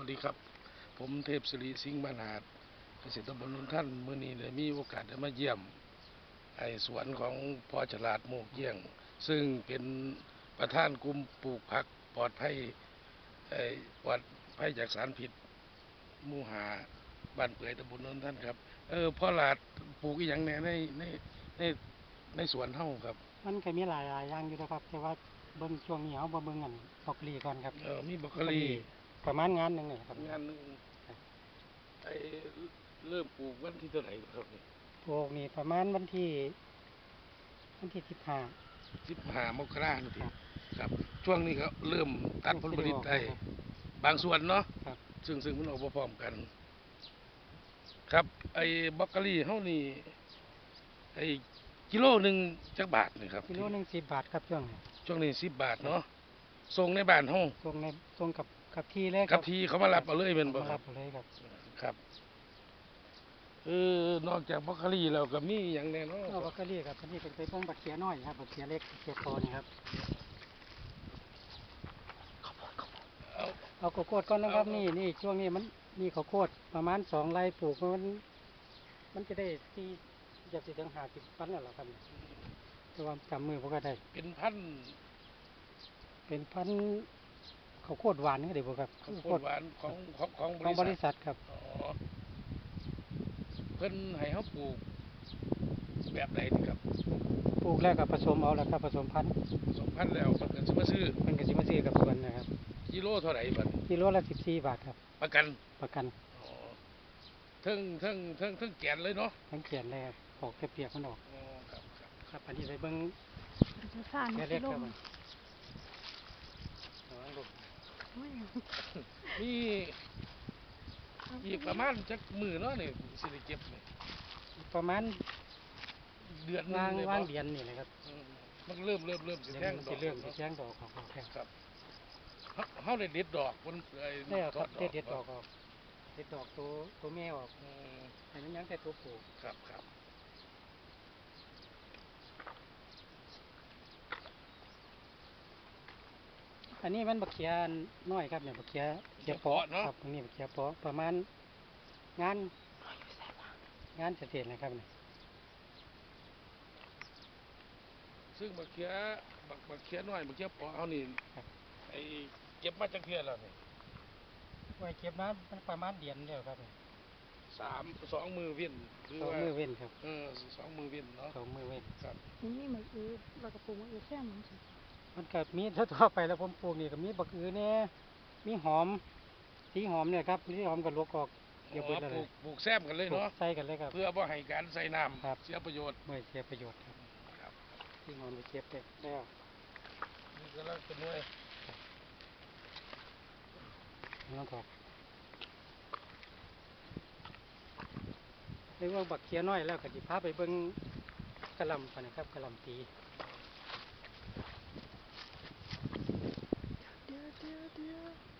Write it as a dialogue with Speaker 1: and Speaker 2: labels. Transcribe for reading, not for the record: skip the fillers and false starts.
Speaker 1: วัสดีครับผมเทพศิริสิงห์มหาดเกษตรตำบลนนท่านมื้อนี้ได้มีโอกาสได้มาเยี่ยมไอ้สวนของพ่อฉลาดโมกเยี่ยงซึ่งเป็นประธานกลุ่มปลูกผักปลอดภัยไอ้ปลอดภัยจากสารพิษหมู่หาบ้านเปื่อยตำบลนนท่านครับพ่อหลาดปลูกอีหยังแหน่ในในสวนเฮาครับ
Speaker 2: มันก็มีหลายอย่างอยู่นะครับแต่ว่าเบิ่งช่วงนี้เอาบ่เบิ่งอันบรอกโคลีก่อนครับ
Speaker 1: มีบรอกโคลี
Speaker 2: ประมาณงานหนึงนี่ครับ
Speaker 1: งานหนึงไอ้เริ่มปลูกวันที่เท่าไหร่ครับนี่
Speaker 2: ปลูกนี่ประมาณวันที่
Speaker 1: 15 มกราคมนี่ครับช่วงนี้ก็เริ่มตัดผลผลิตได้บางส่วนเนาะ
Speaker 2: ครับ
Speaker 1: ซึ่งมันออกมาพร้อมกัน ครับไอ้บรอกโคลีเฮานี่ไอ้กิโลหนึงจักบาทนี่ครับ
Speaker 2: กิโลหนึง10 บาทครับ
Speaker 1: ช่วงนี้10 บาทเนาะส่งในบ้านเฮา
Speaker 2: ส่งกับที่เลยค
Speaker 1: กั
Speaker 2: รั
Speaker 1: บบ ที่เขามารับเอาเลยแม่นบ่
Speaker 2: มา
Speaker 1: ค
Speaker 2: รั
Speaker 1: รั
Speaker 2: บบ เอาเลยครับ
Speaker 1: ครับนอกจากบรอกโคลีแล้วก็มีหยังแน่เนาะ
Speaker 2: บรอกโคลีครับอันนี้เป็นเบิ่งบักเขียน้อยครับบักเขียเล็กบักเขียโตนี่ครับ
Speaker 1: เอา
Speaker 2: เอาข้าวโพดก่อนนะครับนี่ช่วงนี้มันมีข้าวโพดประมาณ2 ไร่ปลูกมันจะได้ที่จะสิถึง50 ตันแล้วล่ะครับแต่ว่าจำมือบ่ก็ได้
Speaker 1: เป็นพันธุ์
Speaker 2: เป็นพันธุ์ข้าวโพดหวานนี่เดี๋ยวบอกครับ
Speaker 1: ข้าวโพดหวานของ
Speaker 2: ของบริษัทครับ
Speaker 1: อ๋อเพิ่นให้เฮาปลูกแบบใดนี่ครับ
Speaker 2: ปลูกแล้วก็ผสมเอาแล้วครับผสมพันธุ์
Speaker 1: 2,000แล้วเพิ่นก็สิมาซื้อ
Speaker 2: มันก็สิมาซื้อกับสวนนะครับ
Speaker 1: กิโลเท่าไหร่บัด
Speaker 2: กิโลละ14 บาทครับ
Speaker 1: ประกัน
Speaker 2: ประกัน
Speaker 1: อ๋อเทั้งแกนเลยเนาะ
Speaker 2: ทั้งเขียนเลยครับออกเปียกๆมันออก
Speaker 1: อ๋อครับ
Speaker 2: ครับอันนี้ไปเบิ่ง
Speaker 3: จะสร้าง
Speaker 2: แค่
Speaker 3: สิ
Speaker 2: เล็ก
Speaker 3: ล
Speaker 2: ครับ
Speaker 3: ม
Speaker 2: ระวังลูก
Speaker 3: โอ้ย
Speaker 1: มีอีกประมาณจักมื้อเนาะนี่สิได้เก็บนี่
Speaker 2: ประมาณ
Speaker 1: เดือนหนึงเลย
Speaker 2: วาง
Speaker 1: บ่
Speaker 2: เดือนนี่เลยครับ
Speaker 1: มันเริ่มสิ
Speaker 2: เดี๋ยว
Speaker 1: แท่ง
Speaker 2: มัน
Speaker 1: ดอ
Speaker 2: สิ
Speaker 1: ก
Speaker 2: เริ่มสิ
Speaker 1: เนาะ
Speaker 2: แจ้งดอกออกแค่
Speaker 1: ครับเฮาได้เด็ดดอกมันไอ้
Speaker 2: ได้เอาครับ
Speaker 1: ทอ
Speaker 2: เด็ดดอกออกเด็ดดอกตัวแม่ออก
Speaker 1: อืม
Speaker 2: ให้มันยังแต่ตัวผู้
Speaker 1: ครับ
Speaker 2: อันนี้มันบักเขียน้อยครับเนี่ยบักเขียเปาะครับอันนี้บักเขียเปาะประมาณงานเสร็จนะครับเนี่ย
Speaker 1: ซึ่งบักเขียน้อยบักเขียเปาะเฮานี่ไอ้เก็บมาจักเทื่อแล้วนี่
Speaker 2: ไว้เก็บน้ำมันประมาณเดือนเดียวครับเนี่ย
Speaker 1: 2 มือเว้นหรือ
Speaker 2: สอง
Speaker 1: ว่า
Speaker 2: มือเว้นครับ
Speaker 1: 2 มือเว้นเนาะ
Speaker 2: 2 มือเว้น
Speaker 1: ครับ
Speaker 3: นี่เหมือนเรากระปุกมันแค่มันสิ
Speaker 2: มันก็มีทั่วไปแล้วผมปลูกนี่ก็มีบักอือเนี่ยมีหอมสีหอมเนี่ยครับสีหอมก็ลวกออกเดี๋ยวเบิด
Speaker 1: ป
Speaker 2: เล
Speaker 1: ลู
Speaker 2: ย
Speaker 1: กแซมกันเลย
Speaker 2: ปลูก
Speaker 1: เนาะ
Speaker 2: ใส่กันเลยครับ
Speaker 1: เพื่อบ่ให้การใส่น้
Speaker 2: ครับ
Speaker 1: ำเสียประโยชน์
Speaker 2: ไม่เสียประโยชน์ครับ
Speaker 1: ครับ
Speaker 2: สีหอมไปเก็บไปแล้ว
Speaker 1: นี่ก็แล้วเป็นหน่วย
Speaker 2: น้องครับเรียกว่าบักเขียน้อยแล้วก็สิพาไปเบิ่งกะหล่ำกันนะครับกะหล่ำปี
Speaker 3: เดี๋ยว